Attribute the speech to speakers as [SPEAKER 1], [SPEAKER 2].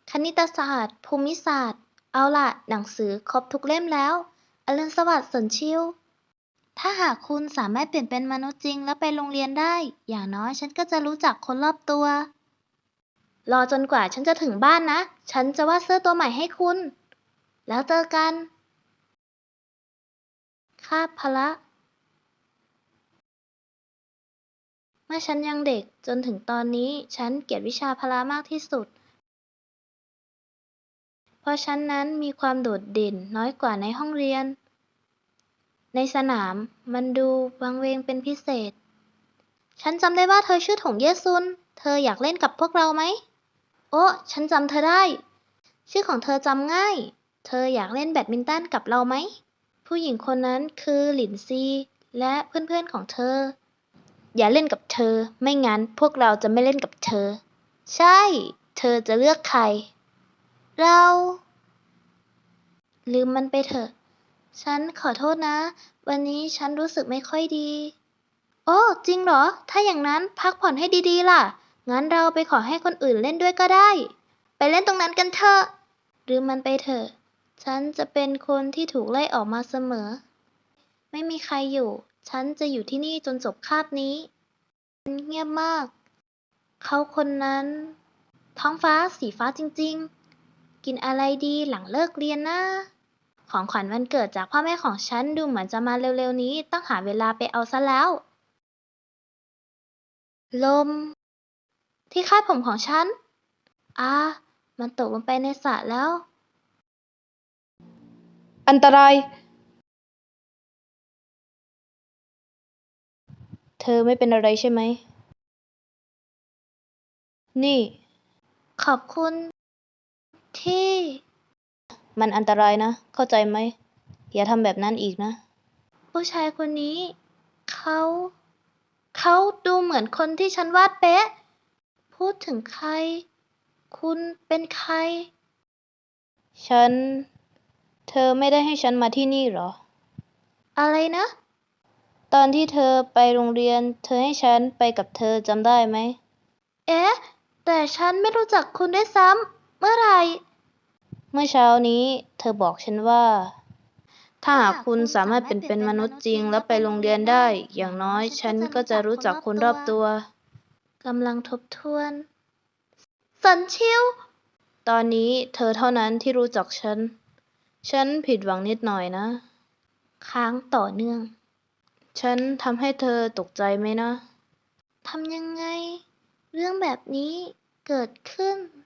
[SPEAKER 1] คณิตศาสตร์ ภูมิศาสตร์ เอาล่ะ หนังสือครบทุกเล่มแล้ว อรุณสวัสดิ์ สนชิว ถ้าหากคุณสามารถเปลี่ยนเป็นมนุษย์จริงแล้วไปโรงเรียนได้ อย่างน้อยฉันก็จะรู้จักคนรอบตัว รอจนกว่าฉันจะถึงบ้านนะ ฉันจะวาดเสื้อตัวใหม่ให้คุณ แล้วเจอกัน คาบพละ เมื่อฉันยังเด็กจนถึงตอนนี้ฉันเกลียดวิชาพละมากที่สุด เพราะฉันนั้นมีความโดดเด่นน้อยกว่าในห้องเรียน ในสนามมันดูวังเวงเป็นพิเศษ ฉันจำได้ว่าเธอชื่อถงเย่ซุน เธออยากเล่นกับพวกเราไหม โอ้ฉันจำเธอได้ ชื่อของเธอจำง่าย เธออยากเล่นแบดมินตันกับเราไหม ผู้หญิงคนนั้นคือหลินซีและเพื่อนๆของเธอ อย่าเล่นกับเธอ ไม่งั้นพวกเราจะไม่เล่นกับเธอ ใช่ เธอจะเลือกใคร เรา ลืมมันไปเถอะ ฉันขอโทษนะ วันนี้ฉันรู้สึกไม่ค่อยดี โอ้ จริงเหรอ ถ้าอย่างนั้นพักผ่อนให้ดีๆล่ะ งั้นเราไปขอให้คนอื่นเล่นด้วยก็ได้ ไปเล่นตรงนั้นกันเถอะ ลืมมันไปเถอะ ฉันจะเป็นคนที่ถูกไล่ออกมาเสมอ ไม่มีใครอยู่ ฉันจะอยู่ที่นี่จนจบคาบนี้ มันเงียบมาก เขาคนนั้น ท้องฟ้าสีฟ้าจริงๆ กินอะไรดีหลังเลิกเรียนนะ ของขวัญวันเกิดจากพ่อแม่ของฉันดูเหมือนจะมาเร็วๆนี้ ต้องหาเวลาไปเอาซะแล้ว ลม ที่คาดผมของฉัน มันตกลงไปในสระแล้ว
[SPEAKER 2] อันตราย เธอไม่เป็นอะไรใช่ไหม นี่
[SPEAKER 1] ขอบคุณ ที่
[SPEAKER 2] มันอันตรายนะ เข้าใจไหม อย่าทำแบบนั้นอีกนะ
[SPEAKER 1] ผู้ชายคนนี้ เขาดูเหมือนคนที่ฉันวาดเป๊ะ พูดถึงใคร คุณเป็นใคร
[SPEAKER 2] เธอไม่ได้ให้ฉันมาที่นี่เหรอ
[SPEAKER 1] อะไรนะ
[SPEAKER 2] ตอนที่เธอไปโรงเรียน เธอให้ฉันไปกับเธอจำได้ไหม
[SPEAKER 1] เอ๊ะ แต่ฉันไม่รู้จักคุณด้วยซ้ำ เมื่อไหร่
[SPEAKER 2] เมื่อเช้านี้เธอบอกฉันว่า ถ้าหากคุณสามารถเป็นมนุษย์จริงและไปโรงเรียนได้ อย่างน้อยฉันก็จะรู้จักคนรอบตัว
[SPEAKER 1] กำลังทบทวน สันชิว
[SPEAKER 2] ตอนนี้เธอเท่านั้นที่รู้จักฉัน ฉันผิดหวังนิดหน่อยนะ
[SPEAKER 1] ค้างต่อเนื่อง
[SPEAKER 2] ฉันทำให้เธอตกใจไหมนะ
[SPEAKER 1] ทำยังไง เรื่องแบบนี้เกิดขึ้น